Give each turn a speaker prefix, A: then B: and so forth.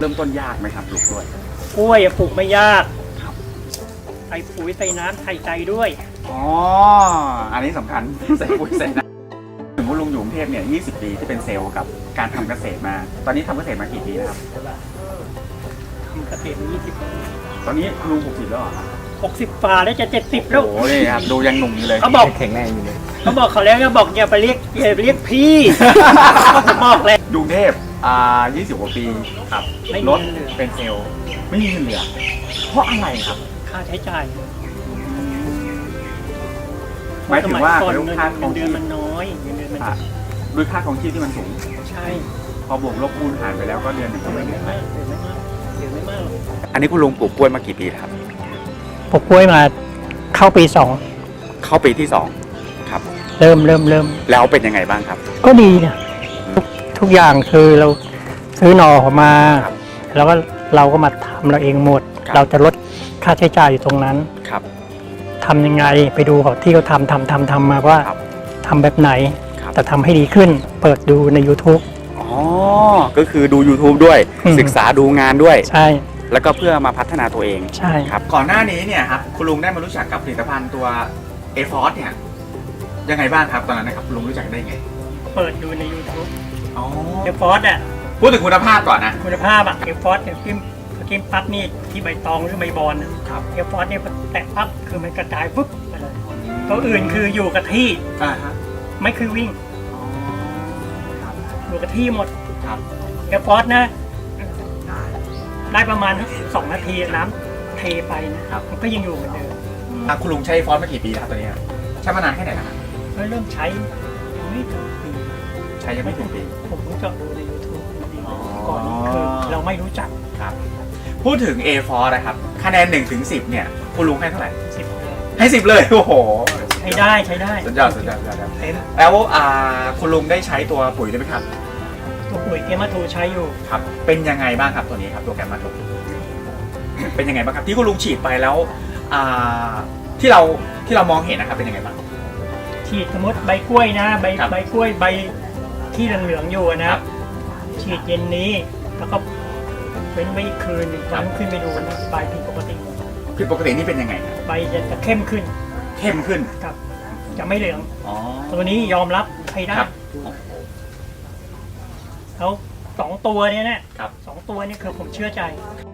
A: ริ่มต้นยากไหมครับปลูกกล้วย
B: กล้วยปลูกไม่ยากใส่ปุ๋ยใส่น้ำใส่ใจด้วย
A: อ๋ออันนี้สำคัญใส่ปุ๋ยใส่น้ำถึงคุณลุงอยู่กรุงเทพเนี่ย20 ปีที่เป็นเซลล์กับการทำเกษตรมาตอนนี้ทำเกษตรมากี่ปีนะครับ
B: ทำเกษตรมา20 ปี
A: ตอนนี้คุณลุง60แล้วเหรอ
B: 60ฝ่าแล้วจะ70แล้ว
A: โอ้ยครับดูยังหนุ่มอยู่เลย
B: เขาบอก
C: แข็งแรงอยู่เลย
B: เขาบอกเขาแล้วก็บอกอย่าไปเรียกพี่ผมบอกเลย
A: กรุงเทพ20 กว่าปีครับรถเป็นเซลล์ไม่มีเงินเหลือเพราะอะไรครับ
B: ค่าใช้จ่าย
A: หมายถึงว่า
B: เงินเดือนมันน้อยเงินเดือนมัน
A: ด้วยค่าของชีพที่มันสูง
B: ใช่
A: พอบวกลบคูณหารไปแล้วก็เดือนหนึ่งก็ไม่มาก
B: เดือนไม่มาก
A: อันนี้คุณลุงปลูกกล้วยมากี่ปีครับ
B: ปลูกกล้วยมาเข้าปี
A: เข้าปีที่2ครับ
B: เริ่ม
A: แล้วเป็นยังไงบ้างครับ
B: ก็ดีนะทุกอย่างคือเราซื้อหน่อมาแล้วก็เราก็มาทำเราเองหมดเราจะลดค่าใช้จ่ายอยู่ตรงนั้น
A: ครับ
B: ทำยังไงไปดูเขาที่เขาทำมาว่าทำแบบไหนแต่ทำให้ดีขึ้นเปิดดูใน YouTube
A: อ๋อก็คือดู YouTube ด้วยศึกษาดูงานด้วย
B: ใช่
A: แล้วก็เพื่อมาพัฒนาตัวเอง
B: ใช่
A: ครับก่อนหน้านี้เนี่ยครับคุณลุงได้มารู้จักกับผลิตภัณฑ์ตัว A-Force เนี่ยยังไงบ้างครับตอนนั้นนะครับคุณลุงรู้จักได้ไง
B: เปิดดูใน YouTube
A: อ๋อ
B: A-Force อ่ะ
A: พูดถึงคุณภาพก่อนนะ
B: คุณภาพอ่ะ A-Force เนี่ยกินปั๊บนี่ที่ใบตองหรือใบบอนนะครับ A-Force เนี่ยแตะปั๊บคือมันกระจายปุ๊บไปเลยตัวอื่นคืออยู่กับที่ไม่คือวิ่งอยู่กับที่หมดA-Force นะได้ประมาณ2 นาทีน้ำเทไปนะครับมันก็ยังอยู่เหมือนเดิม
A: คุณลุงใช้ฟอสมากี่ปีแล้วครับตัวนี้ใช้มานานแค่ไหนแล้วครับ
B: เริ่มใช้ยังไม่ถึงปี
A: ใช้ยังไม่ถึงปี
B: ผมรู้จักดูใน YouTube ก่อนนี้คือเราไม่รู้จัก
A: ครับพูดถึง A-Force นะครับคะแนน1 ถึง 10เนี่ยคุณลุงให้เท่าไหร่
B: 10
A: ให้10เลยโอ้โห
B: ใช้ได้
A: สุดยอดแล้วคุณลุงได้ใช้ตัวปุ๋ยด้วยไหมครับ
B: ตัวปุ๋ยแกมาโทใช้อยู่
A: ครับเป็นยังไงบ้างครับตัวนี้ครับตัวแกมาโทเป็นยังไงบ้างครับที่คุณลุงฉีดไปแล้วที่เรามองเห็นนะครับเป็นยังไงบ้าง
B: ฉีดสมมติใบกล้วยนะใบกล้วยใบที่เหลืองๆอยู่นะฉีดเย็นนี้แล้วก็เว้นไว้อีกคืนวันขึ้นไปดูนะใบผิดปกติ
A: นี่เป็นยังไง
B: ใบจะเข้มขึ้นครับจะไม่เหลืองตัวนี้ยอมรับใช้ได้แล้ว2 ตัวนี้นะ2 ตัวนี้คือผมเชื่อใจ